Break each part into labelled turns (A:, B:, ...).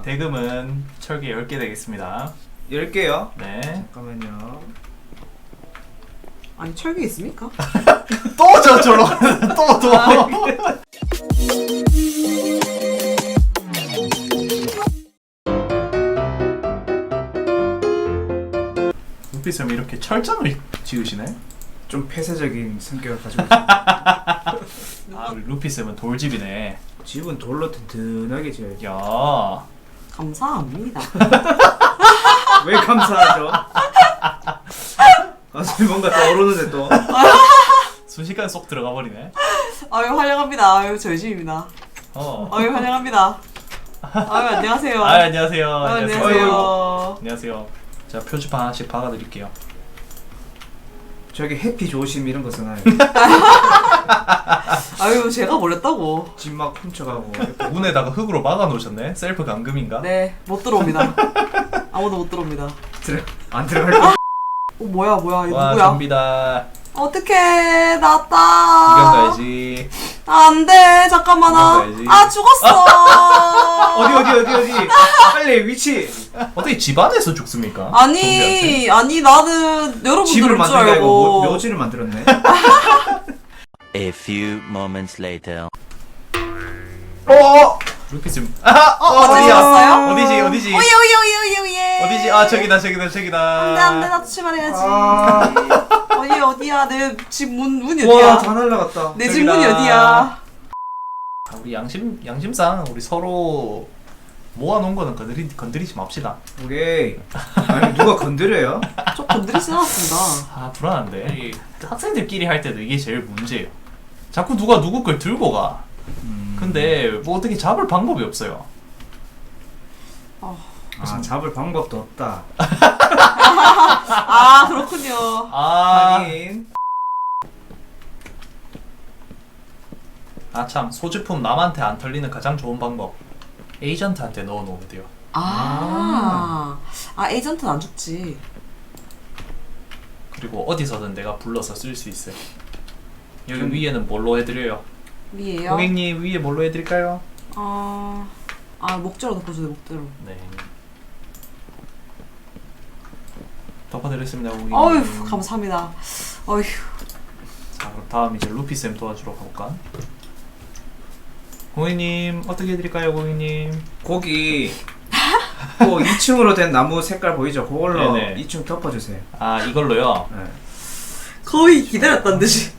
A: 대금은 철개 10개 되겠습니다.
B: 10개요?
A: 네.
B: 잠깐만요.
C: 아니 철기 있습니까?
A: 또 저로 또. 루피쌤 이렇게 철장을 지으시네?
B: 좀 폐쇄적인 성격을 가지고 있어요.
A: 아, 우리 루피쌤은 돌집이네.
B: 집은 돌로 든든하게 지어야죠.
A: 야.
C: 감사합니다.
B: 왜 감사하죠? 가슴이 뭔가 떠오르는데 또.
A: 순식간에 쏙 들어가 버리네.
C: 아유 환영합니다. 아유 저희 집입니다. 아유 환영합니다. 아유 안녕하세요.
A: 아, 안녕하세요.
C: 안녕하세요.
A: 안녕하세요. 자, 표지판 하나씩 박아 드릴게요.
B: 저기 해피 조심 이런 거 쓰나요?
C: 아유 제가 몰랐다고.
B: 집 막 훔쳐가고.
A: 문에다가 흙으로 막아 놓으셨네. 셀프 감금인가?
C: 네 못 들어옵니다. 아무도 못 들어옵니다.
B: 안 들어갈 거.
C: 뭐야 이거
A: 와,
C: 누구야?
A: 좀비다.
C: 어떡해
A: 구경
C: 나왔다.
A: 가야지.
C: 안돼 잠깐만
A: 가야지.
C: 아 죽었어.
B: 어디? 빨리 위치.
A: 어떻게 집 안에서 죽습니까?
C: 아니 나는 여러분들
B: 집을
C: 줄
B: 만든 게 아니고
C: 알고
B: 묘지를 만들었네.
D: A few moments later.
A: 루피쌤.
C: 어디였어요?
A: 어디지?
C: 오예.
A: 어디지? 아, 저기다.
C: 안돼 나도 출발해야지. 어디야 내 집 문이
B: 와,
C: 어디야?
B: 다 날라갔다.
C: 내 집
A: 저기다.
C: 문이 어디야?
A: 아, 우리 양심상 우리 서로 모아놓은 거는 건드리지 맙시다.
B: 오케이. 아니 누가 건드려요?
C: 저 건드리진 않았습니다.
A: 아, 불안한데. 이 학생들끼리 할 때도 이게 제일 문제예요. 자꾸 누가 누구 걸 들고 가. 근데 뭐 어떻게 잡을 방법이 없어요.
B: 아, 잡을 방법도 없다.
C: 아 그렇군요.
B: 하긴.
A: 참, 소지품 남한테 안 털리는 가장 좋은 방법. 에이전트한테 넣어놓으면 돼요.
C: 에이전트는 안 죽지.
A: 그리고 어디서든 내가 불러서 쓸 수 있어요. 여기 위에는 뭘로 해드려요?
C: 위에요?
A: 고객님, 위에 뭘로 해드릴까요?
C: 목재로 덮어주세요 목재로.
A: 네. 덮어드렸습니다, 고객님.
C: 어휴 감사합니다. 어휴.
A: 자, 그럼 다음 이제 루피쌤 도와주러 가볼까? 고객님, 어떻게 해드릴까요, 고객님?
B: 거기 그 2층으로 된 나무 색깔 보이죠? 그걸로
A: 네네.
B: 2층 덮어주세요.
A: 아, 이걸로요?
B: 네.
C: 거의 기다렸단 듯이.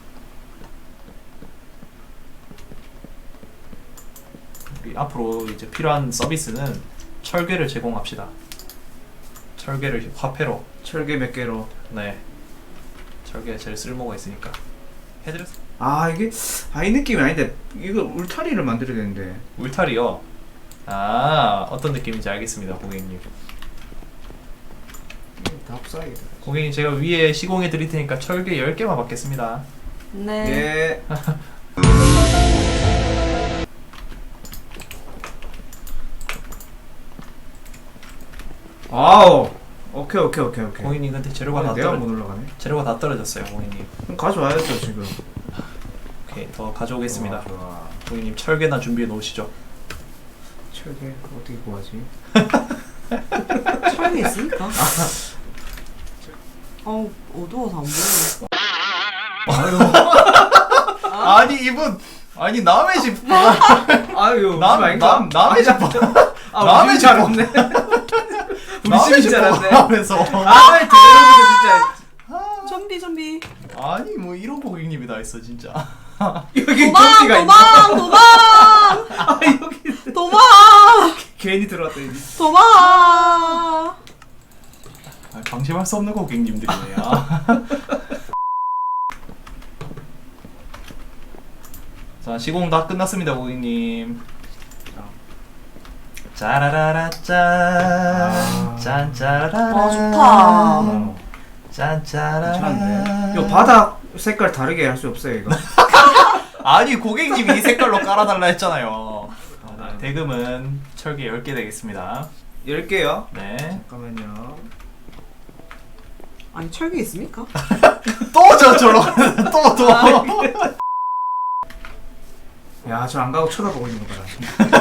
A: 우리 앞으로 이제 필요한 서비스는 철괴를 제공합시다. 철괴를 화폐로.
B: 철개 몇 개로.
A: 네. 철괴가 제일 쓸모가 있으니까. 해드렸어요.
B: 이게 이 느낌이 아닌데 이거 울타리를 만들어야 되는데.
A: 울타리요? 어떤 느낌인지 알겠습니다, 고객님.
B: 다 없어야겠다.
A: 고객님, 제가 위에 시공해 드릴 테니까 철괴 10개만 받겠습니다.
C: 네.
B: 예. 아우. 오케이.
A: 고객님, 근데 재료가 다
B: 내가 못 올라가네.
A: 재료가 다 떨어졌어요, 고객님.
B: 그럼 가져와야죠 지금.
A: 오케이, 더 가져오겠습니다.
B: 좋아.
A: 고객님, 철괴나 준비해 놓으시죠.
B: 철개 어떻게 구하지?
C: 철이 있습니까? 어두워서 안 보여.
A: 아니, 이분, 남의 집.
B: 아유,
A: 남의 집.
B: 남의 집 알았네. 우리 집인 줄 알았네.
A: 하면서.
B: 대단하다 진짜.
C: 좀비.
A: 아니, 뭐 이런 고객님이 다 있어, 진짜.
B: 여기
C: 도망.
B: 여기
C: 도망.
B: 괜히 들어왔다 여기.
C: 도망.
A: 방심할 수 없는 고객님들이네요. 자, 시공 다 끝났습니다, 고객님. 짜라라라 짠 짜라라라
C: 좋다.
A: 짠 짜라라라.
B: 괜찮은데? 이거 바닥 색깔 다르게 할 수 없어요 이거?
A: 아니, 고객님이 이 색깔로 깔아달라 했잖아요. 대금은 철개 10개 되겠습니다.
B: 10개요?
A: 네.
B: 잠깐만요.
C: 아니 철기 있습니까?
A: 또 저로 또
B: 야, 저 안 가고 쳐다보고 있는 거 봐라.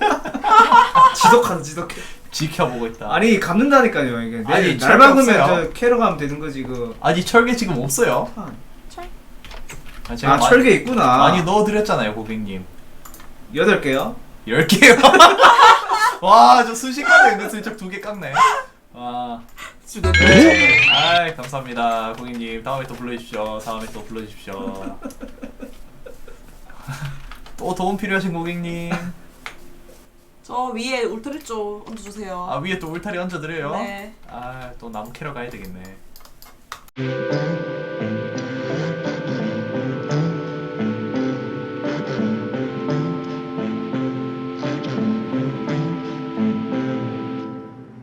B: 지독해.
A: 지켜보고 있다.
B: 아니, 감는다니까요, 이게.
A: 아니,
B: 날 박으면
A: 철게
B: 저 캐러 가면 되는 거지, 그.
A: 아니 철개 지금 없어요.
C: 철?
A: 아, 제가
B: 철개 있구나.
A: 많이 넣어드렸잖아요 고객님.
B: 8개요?
A: 10개요. 와, 저 순식간에 은근슬쩍 2개 깎네. 와. 아이, 감사합니다 고객님. 다음에 또 불러주십시오. 또 도움 필요하신 고객님.
C: 저 위에 울트리 쪽 얹어주세요.
A: 아, 위에 또 울타리 얹어드려요?
C: 네.
A: 아, 또 나무 캐러 가야 되겠네.